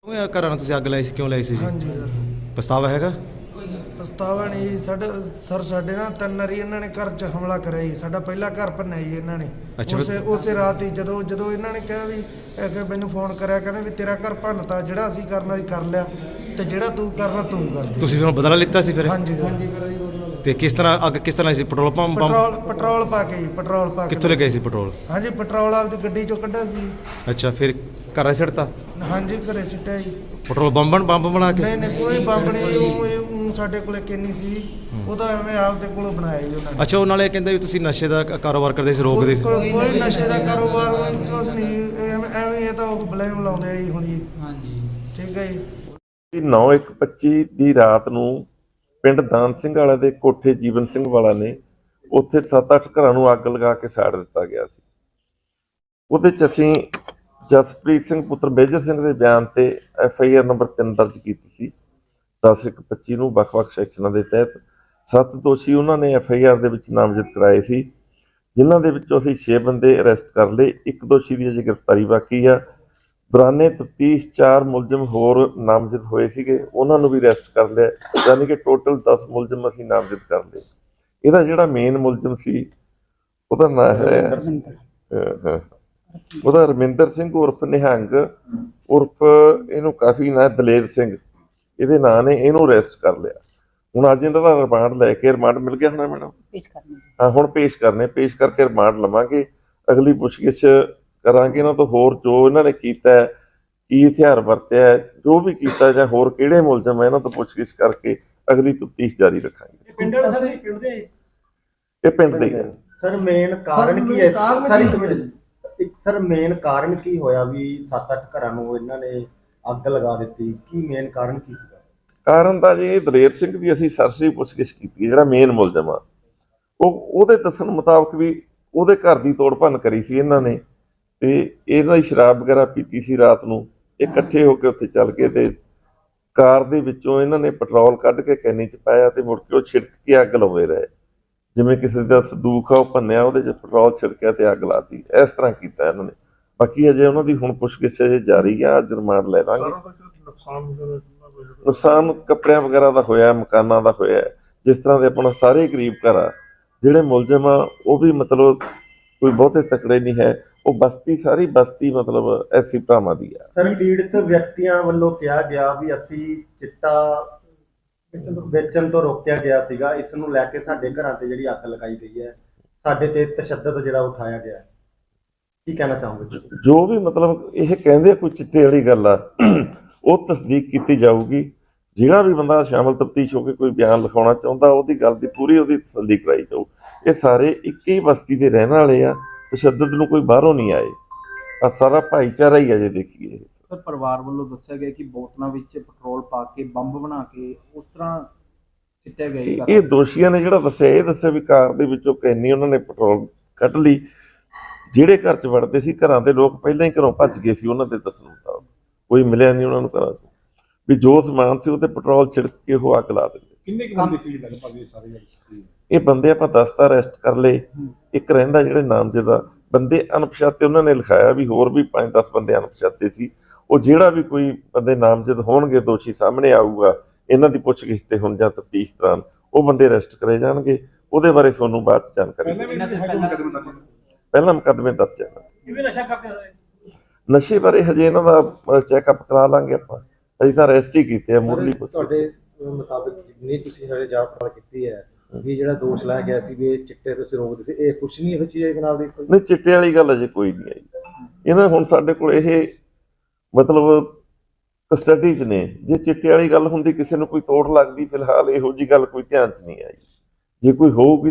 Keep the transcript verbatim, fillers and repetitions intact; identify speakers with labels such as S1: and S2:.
S1: ਘਰਾਂ ਨੂੰ ਤੁਸੀਂ ਅੱਗ ਲਾਈ ਸੀ, ਕਿਉਂ ਲਾਈ ਸੀ ਜੀ?
S2: ਹਾਂਜੀ ਸਰ,
S1: ਪਛਤਾਵਾ ਹੈਗਾ?
S2: ਪਛਤਾਵਾ ਨਹੀਂ ਜੀ। ਸਾਡੇ ਸਰ ਸਾਡੇ ਨਾ ਤਿੰਨ ਵਾਰੀ ਇਹਨਾਂ ਨੇ ਘਰ 'ਚ ਹਮਲਾ ਕਰਿਆ ਜੀ। ਸਾਡਾ ਪਹਿਲਾ ਘਰ ਭੰਨਿਆ ਜੀ ਇਹਨਾਂ ਨੇ।
S1: ਅੱਛਾ।
S2: ਉਸੇ ਉਸੇ ਰਾਤ ਹੀ ਜਦੋਂ ਜਦੋਂ ਇਹਨਾਂ ਨੇ ਕਿਹਾ ਵੀ ਇਹ ਕਿ ਮੈਨੂੰ ਫੋਨ ਕਰਿਆ, ਕਹਿੰਦੇ ਵੀ ਤੇਰਾ ਘਰ ਭੰਨਤਾ, ਜਿਹੜਾ ਅਸੀਂ ਕਰਨਾ ਸੀ ਕਰ ਲਿਆ ਤੇ ਜਿਹੜਾ ਤੂੰ ਕਰਨਾ ਤੂੰ ਕਰ ਦੇ।
S1: ਤੁਸੀਂ ਫਿਰ ਬਦਲਾ ਲਿੱਤਾ ਸੀ ਫਿਰ?
S2: ਹਾਂਜੀ ਸਰ।
S1: ਤੇ ਕਿਸ ਤਰ੍ਹਾਂ ਅੱਗ ਕਿਸ ਤਰ੍ਹਾਂ ਸੀ? Petrol pump pump
S2: petrol petrol ਪਾ ਕੇ ਜੀ, ਪੈਟਰੋਲ ਪਾ ਕੇ।
S1: ਕਿੱਥੋਂ ਲੈ ਗਏ ਸੀ ਪੈਟਰੋਲ?
S2: ਹਾਂਜੀ, ਪੈਟਰੋਲ ਆਪਦੀ ਗੱਡੀ 'ਚੋਂ ਕੱਢਿਆ ਸੀ।
S1: ਅੱਛਾ, ਫਿਰ ਘਰਾਂ ਛੱਡਤਾ?
S2: ਹਾਂਜੀ, ਘਰੇ ਸਿੱਟਿਆ ਜੀ।
S1: ਪੈਟਰੋਲ ਬੰਬਣ ਬੰਬ ਬਣਾ ਕੇ?
S2: ਨਹੀਂ ਨਹੀਂ, ਕੋਈ ਬੰਬ ਨਹੀਂ। ਉਹ ਇਹ ਊਂ ਸਾਡੇ ਕੋਲੇ ਕਿੰਨੀ ਸੀ, ਉਹਦਾ ਐਵੇਂ ਆਪਦੇ ਕੋਲੋਂ ਬਣਾਇਆ ਜੀ ਉਹਨਾਂ ਨੇ।
S1: ਅੱਛਾ, ਉਹ ਨਾਲੇ ਕਹਿੰਦੇ ਵੀ ਤੁਸੀਂ ਨਸ਼ੇ ਦਾ ਕ- ਕਾਰੋਬਾਰ ਕਰਦੇ ਸੀ, ਰੋਕਦੇ ਸੀ?
S2: ਕੋਈ ਕੋਈ ਨਸ਼ੇ ਦਾ ਕਾਰੋਬਾਰ ਨਹੀਂ, ਕੁਛ ਨਹੀਂ। ਐਵੇਂ ਐਵੇਂ ਇਹ ਤਾਂ ਉਹ ਬਲੇਮ ਲਾਉਂਦੇ ਆ ਜੀ ਹੁਣ ਜੀ। ਹਾਂਜੀ, ਠੀਕ ਹੈ ਜੀ।
S3: ਨੌ ਇੱਕ ਪੱਚੀ ਦੀ ਰਾਤ ਨੂੰ ਪਿੰਡ ਦਾਨ ਸਿੰਘ ਵਾਲਾ ਦੇ ਕੋਠੇ ਜੀਵਨ ਸਿੰਘ ਵਾਲਾ ਨੇ ਉੱਥੇ ਸੱਤ ਅੱਠ ਘਰਾਂ ਨੂੰ ਅੱਗ ਲਗਾ ਕੇ ਸਾੜ ਦਿੱਤਾ ਗਿਆ ਸੀ। ਉਹਦੇ 'ਚ ਅਸੀਂ ਜਸਪ੍ਰੀਤ ਸਿੰਘ ਪੁੱਤਰ ਮੇਜਰ ਸਿੰਘ ਦੇ ਬਿਆਨ ਤੇ ਐਫ ਆਈ ਆਰ ਨੰਬਰ ਤਿੰਨ ਦਰਜ ਕੀਤੀ ਸੀ। ਦਸ ਇੱਕ ਪੱਚੀ ਨੂੰ ਵੱਖ-ਵੱਖ ਸੈਕਸ਼ਨਾਂ ਦੇ ਤਹਿਤ ਸੱਤ ਦੋਸ਼ੀ ਉਹਨਾਂ ਨੇ ਐਫ ਆਈ ਆਰ ਦੇ ਵਿੱਚ ਨਾਮਜ਼ਦ ਕਰਾਏ ਸੀ, ਜਿਨ੍ਹਾਂ ਦੇ ਵਿੱਚੋਂ ਅਸੀਂ ਛੇ ਬੰਦੇ ਅਰੈਸਟ ਕਰ ਲਏ। ਇੱਕ ਦੋਸ਼ੀ ਦੀ ਅਜੇ ਗ੍ਰਿਫਤਾਰੀ ਬਾਕੀ ਆ। ਦੌਰਾਨੇ ਤਫਤੀਸ਼ ਚਾਰ ਮੁਲਜ਼ਮ ਹੋਰ ਨਾਮਜ਼ਦ ਹੋਏ ਸੀਗੇ, ਉਹਨਾਂ ਨੂੰ ਵੀ ਅਰੈਸਟ ਕਰ ਲਿਆ, ਯਾਨੀ ਕਿ ਟੋਟਲ ਦਸ ਮੁਲਜ਼ਮ ਅਸੀਂ ਨਾਮਜ਼ਦ ਕਰ ਲਏ। ਇਹਦਾ ਜਿਹੜਾ ਮੇਨ ਮੁਲਜ਼ਮ ਸੀ ਉਹਦਾ ਨਾਂ ਹੈ ਅਹ ਉਹਦਾ ਰਮਿੰਦਰ ਸਿੰਘ ਉਰਫ ਨਿਹੰਗ ਉਰਫ ਇਹਨੂੰ ਕਾਫੀ ਨਾਂ ਦਲੇਰ ਸਿੰਘ ਇਹਦੇ ਨਾਂ ਨੇ। ਇਹਨੂੰ ਅਰੈਸਟ ਕਰ ਲਿਆ। ਹੁਣ ਅੱਜ ਇਹਨਾਂ ਦਾ ਰਿਮਾਂਡ ਲੈ ਕੇ, ਰਿਮਾਂਡ ਮਿਲ ਗਿਆ ਹੋਣਾ ਮੈਡਮ? ਹਾਂ, ਹੁਣ ਪੇਸ਼ ਕਰਨੇ, ਪੇਸ਼ ਕਰਕੇ ਰਿਮਾਂਡ ਲਵਾਂਗੇ। ਅਗਲੀ ਪੁੱਛਗਿੱਛ ਕਰਾਂਗੇ ਇਹਨਾਂ ਤੋਂ, ਹੋਰ ਜੋ ਇਹਨਾਂ ਨੇ ਕੀਤਾ, ਕੀ ਹਥਿਆਰ ਵਰਤਿਆ, ਜੋ ਵੀ ਕੀਤਾ, ਜਾਂ ਹੋਰ ਕਿਹੜੇ ਮੁਲਜ਼ਮ ਹੈ, ਇਹਨਾਂ ਤੋਂ ਪੁੱਛਗਿੱਛ ਕਰਕੇ ਅਗਲੀ ਤਫਤੀਸ਼ ਜਾਰੀ ਰੱਖਾਂਗੇ। ਇਹ ਪਿੰਡ ਦੇ ਹੀ ਹੈ
S4: ਸਰ। ਮੇਨ ਕਾਰਨ ਕੀ ਹੈ ਸਰ? ਇੱਕ ਸਰ ਮੇਨ ਕਾਰਨ ਕੀ ਹੋਇਆ ਵੀ ਸੱਤ ਅੱਠ ਘਰਾਂ ਨੂੰ ਇਹਨਾਂ ਨੇ ਅੱਗ ਲਗਾ ਦਿੱਤੀ? ਕੀ ਮੇਨ ਕਾਰਨ ਕੀ ਸੀਗਾ?
S3: ਕਾਰਨ ਤਾਂ ਜੀ ਦਲੇਰ ਸਿੰਘ ਦੀ ਅਸੀਂ ਸਰਸਰੀ ਪੁੱਛਗਿੱਛ ਕੀਤੀ, ਜਿਹੜਾ ਮੇਨ ਮੁਲਜ਼ਮ ਆ ਉਹ ਉਹਦੇ ਦੱਸਣ ਮੁਤਾਬਕ ਵੀ ਉਹਦੇ ਘਰ ਦੀ ਤੋੜ ਭੰਨ ਕਰੀ ਸੀ ਇਹਨਾਂ ਨੇ, ਤੇ ਇਹਨਾਂ ਦੀ ਸ਼ਰਾਬ ਵਗੈਰਾ ਪੀਤੀ ਸੀ ਰਾਤ ਨੂੰ। ਇਹ ਇਕੱਠੇ ਹੋ ਕੇ ਉੱਥੇ ਚੱਲ ਗਏ ਤੇ ਕਾਰ ਦੇ ਵਿੱਚੋਂ ਇਹਨਾਂ ਨੇ ਪੈਟਰੋਲ ਕੱਢ ਕੇ ਕੈਨੀ 'ਚ ਪਾਇਆ ਤੇ ਮੁੜ ਕੇ ਉਹ ਛਿੜਕ ਕੇ ਅੱਗ ਲਾਉਂਦੇ ਰਹੇ। ਜਿਵੇਂ ਕਿਸੇ ਦਾ ਸੰਦੂਕ ਆ ਉਹ ਭੰਨਿਆ, ਉਹਦੇ 'ਚ ਪੈਟਰੋਲ ਛਿੜਕਿਆ ਤੇ ਅੱਗ ਲਾਤੀ। ਇਸ ਤਰ੍ਹਾਂ ਕੀਤਾ ਇਹਨਾਂ ਨੇ। ਬਾਕੀ ਅਜੇ ਉਹਨਾਂ ਦੀ ਹੁਣ ਪੁੱਛਗਿੱਛ ਅਜੇ ਜਾਰੀ ਆ, ਅੱਜ ਰਿਮਾਂਡ ਲੈ ਲਾਂਗੇ। ਨੁਕਸਾਨ ਕੱਪੜਿਆਂ ਵਗੈਰਾ ਦਾ ਹੋਇਆ, ਮਕਾਨਾਂ ਦਾ ਹੋਇਆ। ਜਿਸ ਤਰ੍ਹਾਂ ਦੇ ਆਪਣਾ ਸਾਰੇ ਗਰੀਬ ਘਰ ਆ, ਜਿਹੜੇ ਮੁਲਜ਼ਮ ਆ ਉਹ ਵੀ ਮਤਲਬ ਕੋਈ ਬਹੁਤੇ ਤਕੜੇ ਨਹੀਂ ਹੈ। ਉਹ ਬਸਤੀ, ਸਾਰੀ ਬਸਤੀ ਮਤਲਬ ਐਸੀ ਭਰਾਵਾਂ ਦੀ ਆ।
S4: ਸਰ, ਪੀੜਤ ਵਿਅਕਤੀਆਂ ਵੱਲੋਂ ਕਿਹਾ ਗਿਆ ਵੀ ਅਸੀਂ ਚਿੱਟਾ ਵੇਚਣ ਤੋਂ ਰੋਕਿਆ ਗਿਆ ਸੀਗਾ, ਇਸ ਨੂੰ ਲੈ ਕੇ ਸਾਡੇ ਘਰਾਂ ਤੇ ਜਿਹੜੀ ਅੱਗ ਲਗਾਈ ਗਈ ਹੈ, ਸਾਡੇ ਤੇ ਤਸ਼ੱਦਦ ਜਿਹੜਾ ਉਠਾਇਆ ਗਿਆ, ਕੀ ਕਹਿਣਾ ਚਾਹੋਗੇ?
S3: ਜੋ ਵੀ ਮਤਲਬ ਇਹ ਕਹਿੰਦੇ ਕੋਈ ਚਿੱਟੇ ਵਾਲੀ ਗੱਲ ਆ, ਉਹ ਤਸਦੀਕ ਕੀਤੀ ਜਾਊਗੀ। ਜਿਹੜਾ ਵੀ ਬੰਦਾ ਸ਼ਾਮਲ ਤਫਤੀਸ਼ ਹੋ ਕੇ ਕੋਈ ਬਿਆਨ ਲਿਖਾਉਣਾ ਚਾਹੁੰਦਾ, ਉਹਦੀ ਗੱਲ ਦੀ ਪੂਰੀ ਉਹਦੀ ਤਸੱਲੀ ਕਰਾਈ ਜਾਊ। ਇਹ ਸਾਰੇ ਇੱਕ ਹੀ ਬਸਤੀ ਦੇ ਰਹਿਣ ਵਾਲੇ ਆ, ਤਸ਼ੱਦਦ ਨੂੰ ਕੋਈ ਬਾਹਰੋਂ ਨਹੀਂ ਆਏ। ਆ ਸਾਰਾ ਭਾਈਚਾਰਾ ਹੀ ਆ ਜੇ ਦੇਖੀਏ।
S5: ਸਰ, ਪਰਿਵਾਰ ਵੱਲੋਂ ਦੱਸਿਆ ਗਿਆ ਕਿ ਬੋਤਲਾਂ ਵਿੱਚ ਪੈਟਰੋਲ ਪਾ ਕੇ ਬੰਬ ਬਣਾ ਕੇ ਉਸ ਤਰ੍ਹਾਂ ਸਿੱਟਿਆ ਗਿਆ।
S3: ਇਹ ਦੋਸ਼ੀਆਂ ਨੇ ਜਿਹੜਾ ਦੱਸਿਆ, ਇਹ ਦੱਸਿਆ ਵੀ ਕਾਰ ਦੇ ਵਿੱਚੋਂ ਕੈਨੀ ਉਹਨਾਂ ਨੇ ਪੈਟਰੋਲ ਕੱਢ ਲਈ। ਜਿਹੜੇ ਘਰ 'ਚ ਵੜਦੇ ਸੀ, ਘਰਾਂ ਦੇ ਲੋਕ ਪਹਿਲਾਂ ਹੀ ਘਰੋਂ ਭੱਜ ਗਏ ਸੀ। ਉਹਨਾਂ ਦੇ ਦੱਸਣ ਮੁਤਾਬਕ ਕੋਈ ਮਿਲਿਆ ਨਹੀਂ ਉਹਨਾਂ ਨੂੰ ਘਰਾਂ 'ਚ, ਵੀ ਜੋ ਸਮਾਨ ਸੀ ਉਹਤੇ ਪੈਟਰੋਲ ਛਿੜਕ ਕੇ ਉਹ ਅੱਗ ਲਾ ਦਿੰਦੇ ਸੀ।
S6: ਕਿੰਨੇ ਕੁ ਬੰਦੇ ਸੀ ਲਗਭਗ ਇਹ ਸਾਰੇ?
S3: ਇਹ ਬੰਦੇ ਆਪਾਂ ਦਸ ਤਾਂ ਅਰੈਸਟ ਕਰ ਲਏ, ਇੱਕ ਰਹਿੰਦਾ ਜਿਹੜੇ ਨਾਮਜ਼ਦ ਆ। ਬੰਦੇ ਅਣਪਛਾਤੇ ਉਹਨਾਂ ਨੇ ਲਿਖਾਇਆ ਵੀ ਹੋਰ ਵੀ ਪੰਜ ਦਸ ਬੰਦੇ ਅਣਪਛਾਤੇ ਸੀ। ਉਹ ਜਿਹੜਾ ਵੀ ਕੋਈ ਬੰਦੇ ਨਾਮਜ਼ਦ ਹੋਣਗੇ, ਦੋਸ਼ੀ ਸਾਹਮਣੇ ਆਊਗਾ, ਇਹਨਾਂ ਦੀ ਪੁੱਛਗਿੱਛ ਤੇ ਹੁਣ ਜਾਂ ਤਫਤੀਸ਼ ਦੌਰਾਨ ਉਹ ਬੰਦੇ ਅਰੈਸਟ ਕਰੇ ਜਾਣਗੇ। ਉਹਦੇ ਬਾਰੇ ਤੁਹਾਨੂੰ ਬਾਅਦ 'ਚ ਜਾਣਕਾਰੀ। ਪਹਿਲਾਂ ਮੁਕੱਦਮੇ ਦਰਜ ਹੈ। ਨਸ਼ੇ ਬਾਰੇ ਹਜੇ ਇਹਨਾਂ ਦਾ ਚੈੱਕਅਪ ਕਰਾ ਲਾਂਗੇ ਆਪਾਂ, ਅਜੇ ਤਾਂ ਅਰੈਸਟ ਹੀ ਕੀਤੇ ਆ। ਮੁੱਢਲੀ ਪੁੱਛ
S4: ਤੁਹਾਡੇ ਮੁਤਾਬਕ ਜਿੰਨੀ ਤੁਸੀਂ ਸਾਡੇ ਜਾਂਚ ਪੜਤਾਲ ਕੀਤੀ ਹੈ, ਵੀ ਜਿਹੜਾ ਦੋਸ਼ ਲਾਇਆ ਗਿਆ ਸੀ ਵੀ ਇਹ ਚਿੱਟੇ ਤੁਸੀਂ ਰੋਕਦੇ ਸੀ, ਇਹ ਕੁਛ ਨਹੀਂ ਹੋਈ ਚੀਜ਼ ਜਨਾਬ ਦੀ?
S3: ਨਹੀਂ, ਚਿੱਟੇ ਵਾਲੀ ਗੱਲ ਅਜੇ ਕੋਈ ਨਹੀਂ ਆਈ। ਇਹਨਾਂ ਹੁਣ ਸਾਡੇ ਕੋਲ ਇਹ ਮਤਲਬ ਕਸਟਡੀ 'ਚ ਨੇ। ਜੇ ਚਿੱਟੇ ਵਾਲੀ ਗੱਲ ਹੁੰਦੀ, ਕਿਸੇ ਨੂੰ ਕੋਈ ਤੋੜ ਲੱਗਦੀ, ਫਿਲਹਾਲ ਇਹੋ ਜਿਹੀ ਗੱਲ ਕੋਈ ਧਿਆਨ 'ਚ ਨਹੀਂ ਆਈ। ਜੇ ਕੋਈ ਹੋਊਗੀ